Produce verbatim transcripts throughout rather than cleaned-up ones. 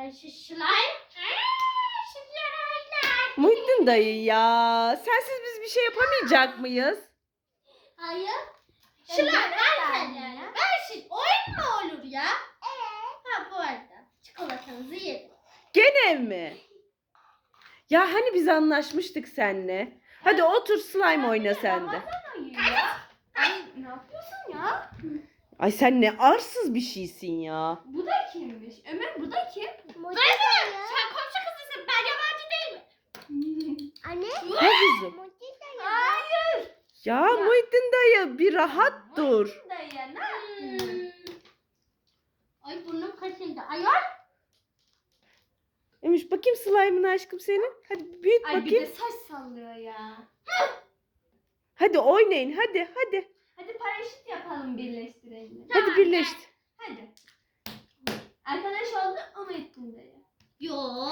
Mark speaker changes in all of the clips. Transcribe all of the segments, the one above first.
Speaker 1: Ay şu slime. Aa, slime.
Speaker 2: Muhittin dayı ya. Sensiz biz bir şey yapamayacak mıyız?
Speaker 1: Hayır. Slime ver kendine. Ver şimdi. Oyun mu olur ya? Evet. Ha bu arada. Çikolatanızı yedim.
Speaker 2: Gene mi? Ya hani biz anlaşmıştık seninle. Hadi otur slime oyna sen de.
Speaker 3: Ay ne yapıyorsun ya?
Speaker 2: Ay sen ne arsız bir şeysin ya.
Speaker 3: Bu da kimmiş? Ömer bu da kim?
Speaker 1: Dayı sen komşu kızısın. Ben yabancı değilim.
Speaker 4: Anne.
Speaker 2: Ne kızım?
Speaker 3: Hayır.
Speaker 2: Ya Muhittin dayı bir rahat dur.
Speaker 3: Dayı ne yaptın?
Speaker 1: Hmm. Ay burnum kaşındı. Ayol.
Speaker 2: Emiş bakayım slime'ını aşkım senin. Hadi büyüt
Speaker 3: Ay bir
Speaker 2: bakayım.
Speaker 3: de saç sallıyor ya.
Speaker 2: Hadi oynayın hadi hadi.
Speaker 3: Hadi paraşüt yapalım birleştirelim.
Speaker 2: Hadi birleştir.
Speaker 3: Hadi. Arkadaş oldu ama ettin dayı.
Speaker 1: Yo.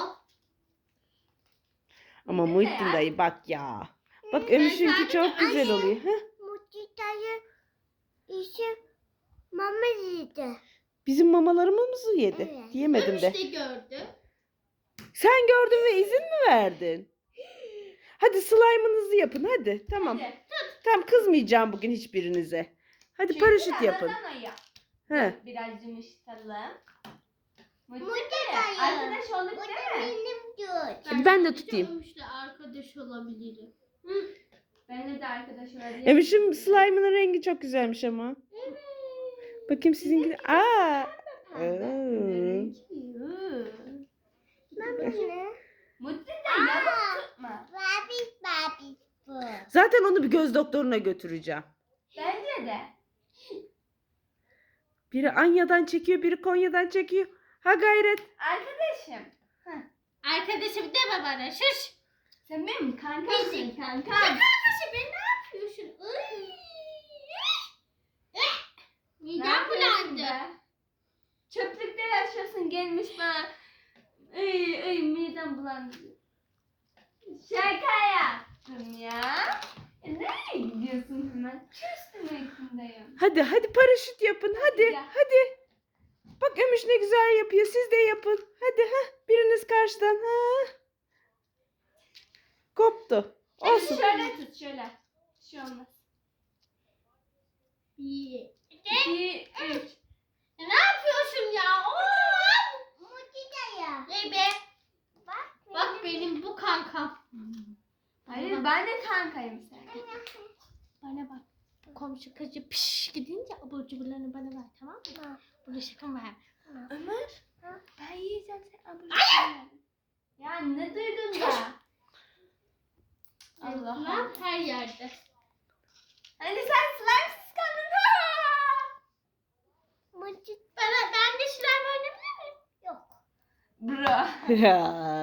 Speaker 2: Ama
Speaker 3: Ne
Speaker 2: Muhittin
Speaker 3: ya?
Speaker 2: dayı bak ya. Bak Ömüş'ünki
Speaker 1: sadece
Speaker 2: çok güzel oluyor. Heh.
Speaker 4: Mutluyayı işi mama yedi.
Speaker 2: Bizim mamalarımızı yedi.
Speaker 4: Evet.
Speaker 2: Diyemedim de.
Speaker 1: İşte gördü.
Speaker 2: Sen gördün ve izin mi verdin? Hadi slime'ınızı yapın hadi. Tamam.
Speaker 3: Hadi.
Speaker 2: Tamam kızmayacağım bugün hiçbirinize. Hadi
Speaker 3: Çünkü
Speaker 2: paraşüt yapın.
Speaker 3: aradan aya.
Speaker 2: He.
Speaker 3: Biraz yumuşatalım. Mutlu
Speaker 4: Mutlu
Speaker 3: dayı.
Speaker 4: dayı.
Speaker 3: Arkadaş olduk
Speaker 4: Bu da
Speaker 3: değil mi?
Speaker 4: benim diyor.
Speaker 2: Hadi ben de
Speaker 1: sadece
Speaker 2: tutayım.
Speaker 1: Ömüş'le arkadaş olabilirim.
Speaker 3: Benimle de arkadaş olabilir.
Speaker 2: Emiş'im slime'ının rengi çok güzelmiş ama. Bakayım sizinki de. Aa. Oo.
Speaker 4: Mama ne?
Speaker 3: Mutlu dayı yamuk tutma.
Speaker 4: Babi babi bu.
Speaker 2: Zaten onu bir göz doktoruna götüreceğim.
Speaker 3: Bence de.
Speaker 2: Biri Anya'dan çekiyor, biri Konya'dan çekiyor. Ha gayret.
Speaker 3: Arkadaşım.
Speaker 1: Arkadaşım deme bana. Şuş.
Speaker 3: Sen benim kankamsın
Speaker 1: Bizim.
Speaker 3: kankam.
Speaker 1: Arkadaşım ben ne yapıyorsun? Ay. Eh.
Speaker 3: Ne
Speaker 1: Midem
Speaker 3: yapıyorsun
Speaker 1: bulandı.
Speaker 3: be? Çöplükte yaşıyorsun gelmiş bana. Ay ay midem bulandı. Şaka yaptım ya. E, nereye gidiyorsun hemen? Küstüm ekindeyim.
Speaker 2: Hadi hadi paraşüt yapın hadi
Speaker 3: gel.
Speaker 2: hadi. Bak Ömüş ne güzel yapıyor. Siz de yapın. Hadi ha biriniz karşıdan ha. Koptu. Olsun.
Speaker 3: Şöyle tut şöyle. Bir şey olmaz.
Speaker 1: Bir.
Speaker 3: İki, üç.
Speaker 1: Ne yapıyorsun ya? Oo!
Speaker 4: Mutluyayı.
Speaker 1: Ne be? Bak benim bu kankam.
Speaker 3: Hayır ben de kankayım sen.
Speaker 1: Bana bak. Komşu kızı piş gidince abur cuburlarını bana ver, tamam mı? Bulaşıkımı ver.
Speaker 3: Ömer. Ben yiyeceğim sen abone. Ya ne duydun da? Allah Allah.
Speaker 1: Lan her yerde.
Speaker 3: Hani sen slime'sız kaldın.
Speaker 4: Mutlu
Speaker 1: Bana, ben de slime oynayabilir miyim?
Speaker 4: yok.
Speaker 3: Bro.
Speaker 2: Ya.